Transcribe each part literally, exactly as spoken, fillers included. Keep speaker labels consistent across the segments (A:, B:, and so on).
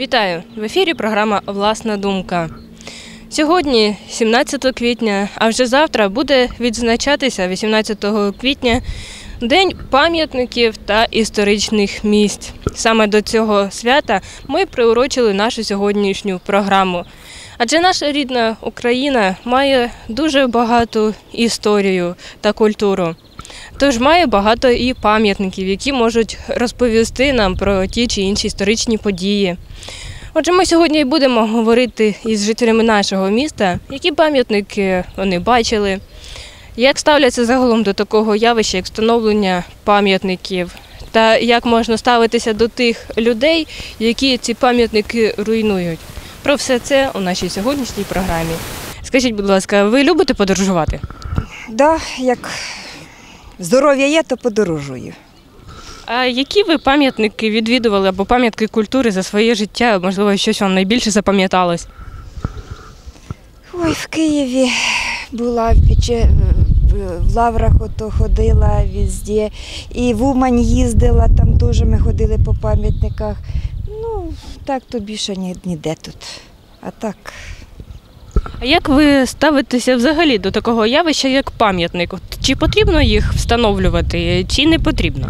A: Вітаю! В ефірі програма «Власна думка». Сьогодні, сімнадцятого квітня, а вже завтра буде відзначатися вісімнадцятого квітня День пам'ятників та історичних місць. Саме до цього свята ми приурочили нашу сьогоднішню програму. Адже наша рідна Україна має дуже багату історію та культуру. Тож має багато і пам'ятників, які можуть розповісти нам про ті чи інші історичні події. Отже, ми сьогодні і будемо говорити із жителями нашого міста, які пам'ятники вони бачили, як ставляться загалом до такого явища, як встановлення пам'ятників, та як можна ставитися до тих людей, які ці пам'ятники руйнують. Про все це у нашій сьогоднішній програмі. Скажіть, будь ласка, ви любите подорожувати?
B: Так, да, як здоров'я є, то подорожую.
A: А які ви пам'ятники відвідували або пам'ятки культури за своє життя? Можливо, щось вам найбільше запам'яталось?
B: Ой, в Києві була, в, Пече... в Лаврах ото ходила везде. І в Умань їздила, там теж ми ходили по пам'ятниках. Ну, так то більше ніде тут. А так...
A: А як ви ставитеся взагалі до такого явища, як пам'ятник? Чи потрібно їх встановлювати, чи не потрібно?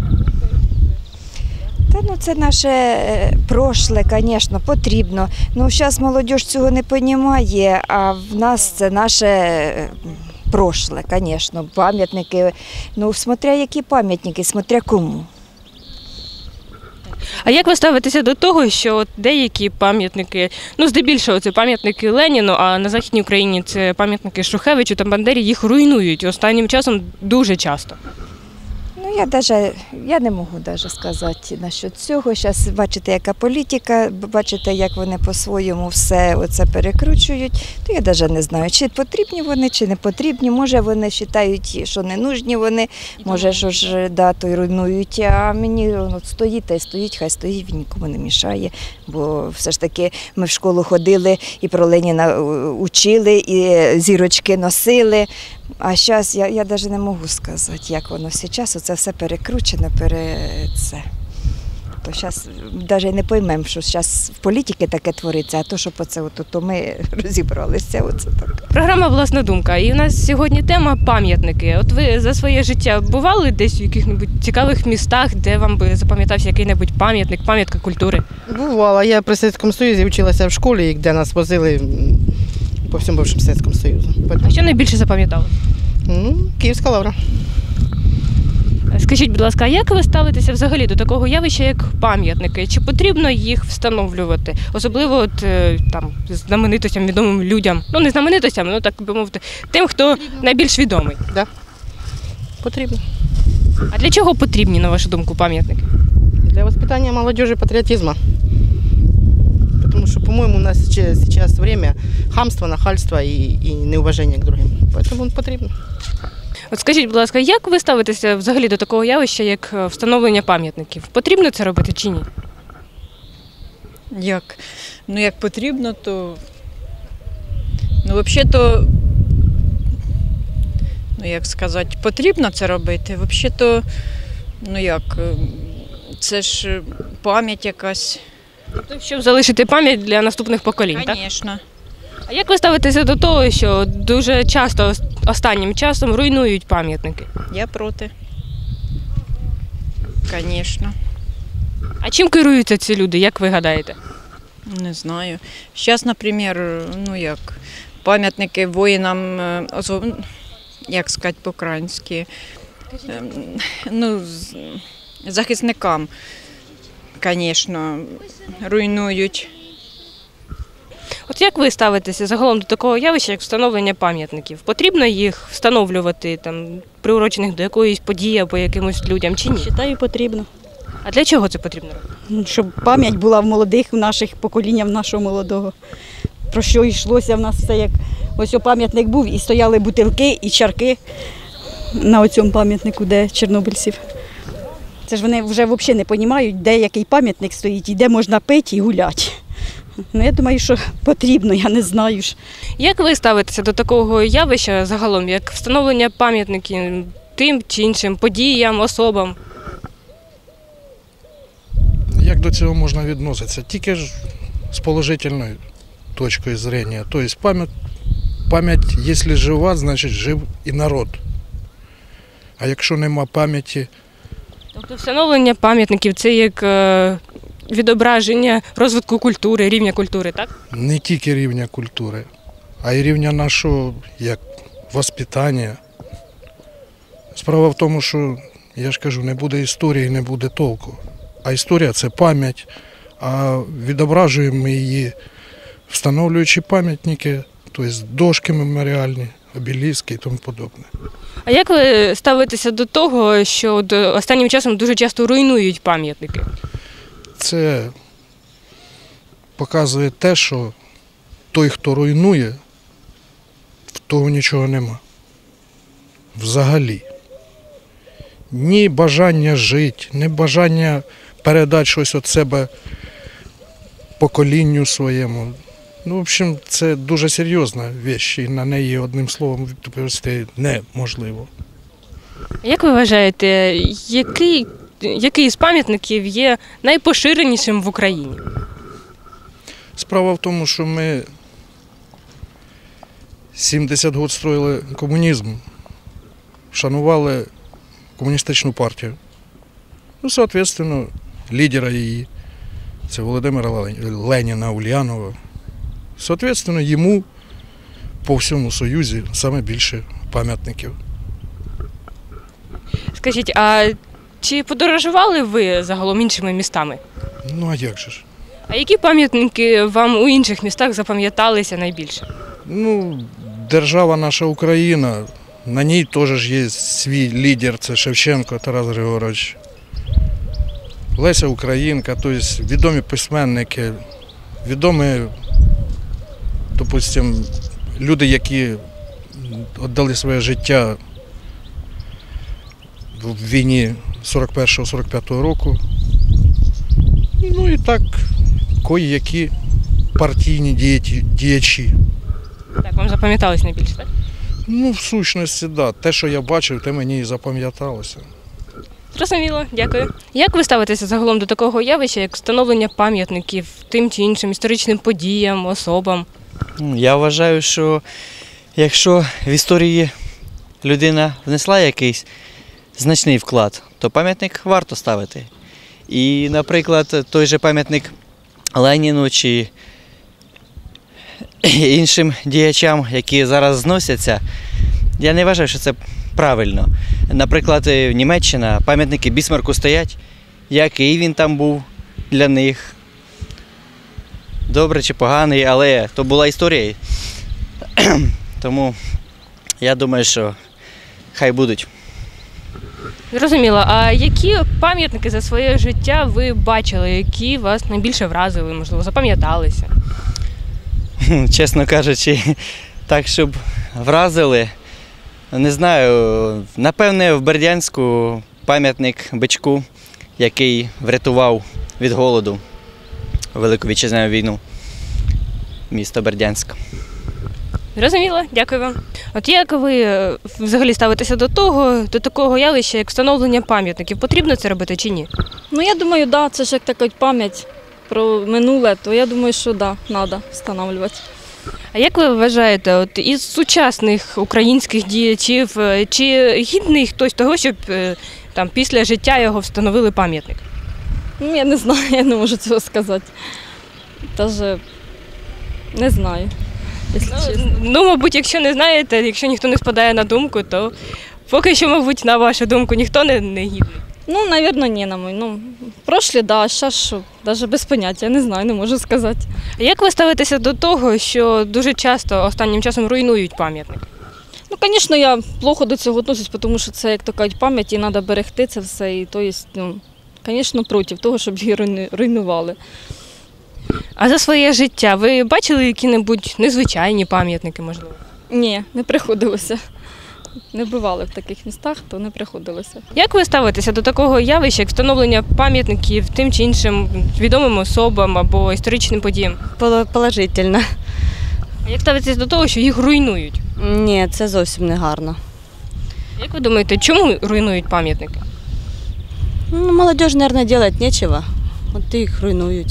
B: Та ну це наше прошле, звісно, потрібно. Ну зараз молодь цього не розуміє, а в нас це наше прошле, звісно. Пам'ятники, ну смотря які пам'ятники, смотря кому.
A: А як ви ставитеся до того, що от деякі пам'ятники, ну здебільшого це пам'ятники Леніну, а на Західній Україні це пам'ятники Шухевичу та Бандері, їх руйнують останнім часом дуже часто?
B: Ну, я даже, я не можу даже сказати насчет цього. Зараз бачите, яка політика, бачите, як вони по-своєму все оце перекручують. То я навіть не знаю, чи потрібні вони, чи не потрібні. Може, вони вважають, що не нужні вони, може, що ж, да, то й руйнують. А мені ну, стоїть та й стоїть, хай стоїть, він нікому не мішає. Бо все ж таки ми в школу ходили і про Леніна учили, і зірочки носили. А зараз я, я навіть не можу сказати, як воно зараз, оце все перекручено, пере... це. То зараз навіть не поймемо, що зараз в політиці таке твориться, а то, що по це, от, то ми розібралися. Оце так.
A: Програма «Власна думка». І у нас сьогодні тема пам'ятники. От ви за своє життя бували десь в яких-небудь цікавих містах, де вам би запам'ятався який-небудь пам'ятник, пам'ятка культури?
C: Бувала. Я при Совєтському Союзі вчилася в школі, де нас возили по всьому бившому Совєтському Союзу.
A: А що найбільше запам'ятали?
C: Ну, Київська лавра.
A: Скажіть, будь ласка, а як ви ставитеся взагалі до такого явища, як пам'ятники? Чи потрібно їх встановлювати? Особливо от, там, знаменитостям, відомим людям. Ну, не знаменитостям, ну так би мовити, тим, хто потрібно. Найбільш відомий.
C: Так, да. Потрібно.
A: А для чого потрібні, на вашу думку, пам'ятники?
C: Для воспитання молодежи патріотизму. Тому що, по-моєму, у нас зараз время хамства, нахальства і, і неуваження к другим. Тому потрібно.
A: От скажіть, будь ласка, як ви ставитеся взагалі до такого явища, як встановлення пам'ятників? Потрібно це робити чи ні?
D: Як? Ну, як потрібно, то... Ну, взагалі-то, ну, як сказати, потрібно це робити. Взагалі-то, ну, як, це ж пам'ять якась.
A: Тобто, щоб залишити пам'ять для наступних поколінь, так?
D: Звісно.
A: А як ви ставитеся до того, що дуже часто останнім часом руйнують пам'ятники?
D: Я проти. Звісно.
A: А чим керуються ці люди, як ви гадаєте?
D: Не знаю. Зараз, наприклад, ну як, пам'ятники воїнам, як сказати по-українськи, ну, захисникам, звісно, руйнують.
A: От як ви ставитеся загалом до такого явища, як встановлення пам'ятників? Потрібно їх встановлювати, там, приурочених до якоїсь події або якимось людям, чи ні?
E: Вважаю, потрібно.
A: А для чого це потрібно робити?
E: Щоб пам'ять була в молодих, в наших поколіннях, в нашого молодого. Про що йшлося в нас все, як ось пам'ятник був, і стояли бутилки і чарки на цьому пам'ятнику, де чорнобильців. Це ж вони вже взагалі не розуміють, де який пам'ятник стоїть, і де можна пити і гуляти. Ну, я думаю, що потрібно, я не знаю.
A: Як ви ставитеся до такого явища загалом, як встановлення пам'ятників тим чи іншим подіям, особам?
F: Як до цього можна відноситися? Тільки ж с положительной точкой зрения. То есть память, память, если жива, значит жив і народ. А якщо нема пам'яті,
A: Тобто встановлення пам'ятників це як е, відображення розвитку культури, рівня культури, так?
F: не тільки рівня культури, а й рівня нашого як воспитання. Справа в тому, що, я ж кажу, не буде історії, не буде толку. А історія – це пам'ять, а відображуємо ми її, встановлюючи пам'ятники, тобто дошки меморіальні, обеліски і тому подобне.
A: А як ви ставитеся до того, що от останнім часом дуже часто руйнують пам'ятники?
F: Це показує те, що той, хто руйнує, в того нічого нема. Взагалі. Ні бажання жити, ні бажання передати щось від себе поколінню своєму. Ну, в общем, це дуже серйозна річ, і на неї одним словом відповісти неможливо.
A: Як ви вважаєте, який, який з пам'ятників є найпоширенішим в Україні?
F: Справа в тому, що ми сімдесят років строїли комунізм, шанували комуністичну партію. Ну, соответственно, лідера її, це Володимира Леніна Ульянова. Соответственно, йому по всьому Союзі саме більше пам'ятників.
A: Скажіть, а чи подорожували ви загалом іншими містами?
F: Ну, а як же ж?
A: А які пам'ятники вам у інших містах запам'яталися найбільше?
F: Ну, держава наша Україна, на ній теж є свій лідер, це Шевченко Тарас Григорович. Леся Українка, тобто відомі письменники, відомі, допустимо, люди, які віддали своє життя в війні сорок першого сорок п'ятого року. Ну і так, кої-які партійні діячі.
A: Так, вам запам'яталось найбільше, так?
F: Ну, в сущності, так. Да. Те, що я бачив, те мені і запам'яталося.
A: Зрозуміло, дякую. Як ви ставитеся загалом до такого явища, як встановлення пам'ятників тим чи іншим історичним подіям, особам?
G: Я вважаю, що якщо в історії людина внесла якийсь значний вклад, то пам'ятник варто ставити. І, наприклад, той же пам'ятник Леніну чи іншим діячам, які зараз зносяться, я не вважаю, що це правильно. Наприклад, Німеччина, пам'ятники Бісмарку стоять, який він там був для них. Добре чи поганий, але то була історія. Тому я думаю, що хай будуть.
A: Зрозуміло. А які пам'ятники за своє життя ви бачили, які вас найбільше вразили, можливо, запам'яталися?
G: Чесно кажучи, так, щоб вразили, не знаю, напевне, в Бердянську пам'ятник бичку, який врятував від голоду Велику Вітчизняну війну, місто Бердянськ.
A: Зрозуміло, дякую вам. От як ви взагалі ставитеся до того, до такого явища, як встановлення пам'ятників? Потрібно це робити чи ні?
H: Ну, я думаю, да, це ж як така пам'ять про минуле, то я думаю, що да, треба встановлювати.
A: А як ви вважаєте, от із сучасних українських діячів, чи гідний хтось того, щоб там після життя його встановили пам'ятник?
H: Ну, я не знаю, я не можу цього сказати. Даже не знаю, якщо
A: Ну,
H: чесно.
A: ну, мабуть, якщо не знаєте, якщо ніхто не спадає на думку, то поки що, мабуть, на вашу думку, ніхто не, не гідний.
H: Ну, навірно, ні, на мою. Ну, прошлі, да, а зараз що, навіть без поняття, я не знаю, не можу сказати.
A: А як ви ставитеся до того, що дуже часто останнім часом руйнують пам'ятник?
H: Ну, звісно, я плохо до цього відношусь, тому що це, як то кажуть, пам'ять, і треба берегти це все. І, то є, ну, звісно, проти того, щоб її руйну- руйнували.
A: А за своє життя ви бачили які-небудь незвичайні пам'ятники, можливо?
H: Ні, не приходилося. Не бували в таких містах, то не приходилося.
A: Як ви ставитеся до такого явища, як встановлення пам'ятників тим чи іншим відомим особам або історичним подіям?
I: Положительно.
A: А як ставитеся до того, що їх руйнують?
I: Ні, це зовсім не гарно.
A: Як ви думаєте, чому руйнують пам'ятники?
I: Ну, молодежь, мабуть, робити нічого. От їх руйнують.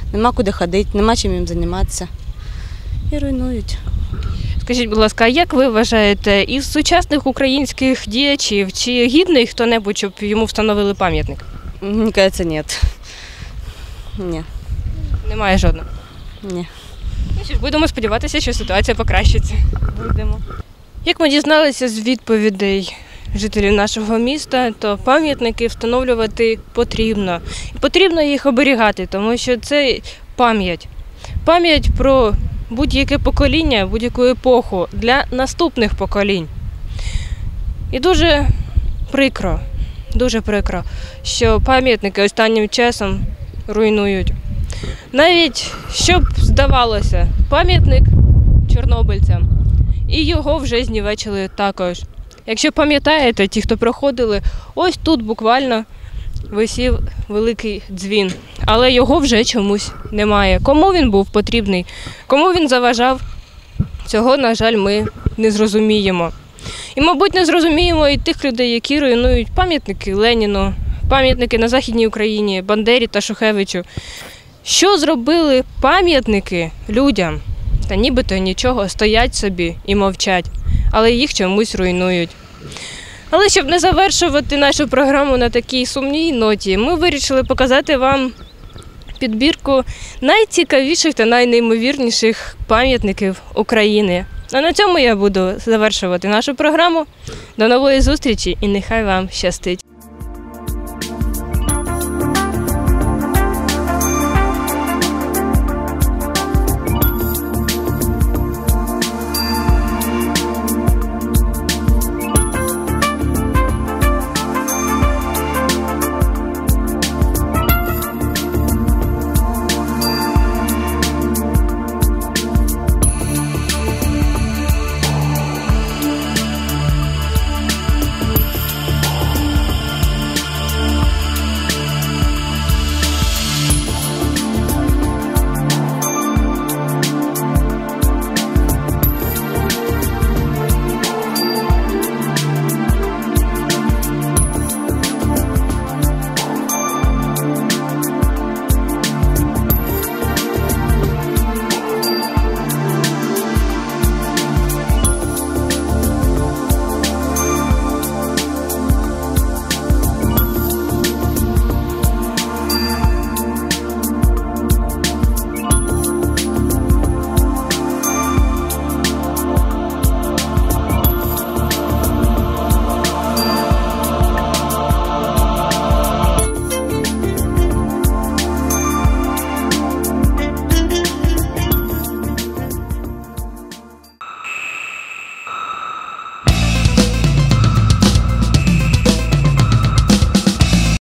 I: нема куди ходити, нема чим їм займатися. І руйнують.
A: Скажіть, будь ласка, а як ви вважаєте, із сучасних українських діячів, чи гідний хто-небудь, щоб йому встановили пам'ятник?
I: Мені кажеться, ні. Ні,
A: Немає жодного.
I: ні.
A: Ну що ж, будемо сподіватися, що ситуація покращиться.
I: Будемо.
A: Як ми дізналися з відповідей жителів нашого міста, то пам'ятники встановлювати потрібно. І потрібно їх оберігати, тому що це пам'ять. Пам'ять про будь-яке покоління, будь-яку епоху для наступних поколінь. І дуже прикро, дуже прикро, що пам'ятники останнім часом руйнують. Навіть, щоб здавалося, пам'ятник чорнобильцям, і його вже знівечили також. Якщо пам'ятаєте, ті, хто проходили, ось тут буквально висів великий дзвін, але його вже чомусь немає. Кому він був потрібний, кому він заважав, цього, на жаль, ми не зрозуміємо. І, мабуть, не зрозуміємо і тих людей, які руйнують пам'ятники Леніну, пам'ятники на Західній Україні, Бандері та Шухевичу. Що зробили пам'ятники людям? Та нібито нічого, стоять собі і мовчать, але їх чомусь руйнують. Але щоб не завершувати нашу програму на такій сумній ноті, ми вирішили показати вам підбірку найцікавіших та найнеймовірніших пам'ятників України. А на цьому я буду завершувати нашу програму. До нової зустрічі і нехай вам щастить!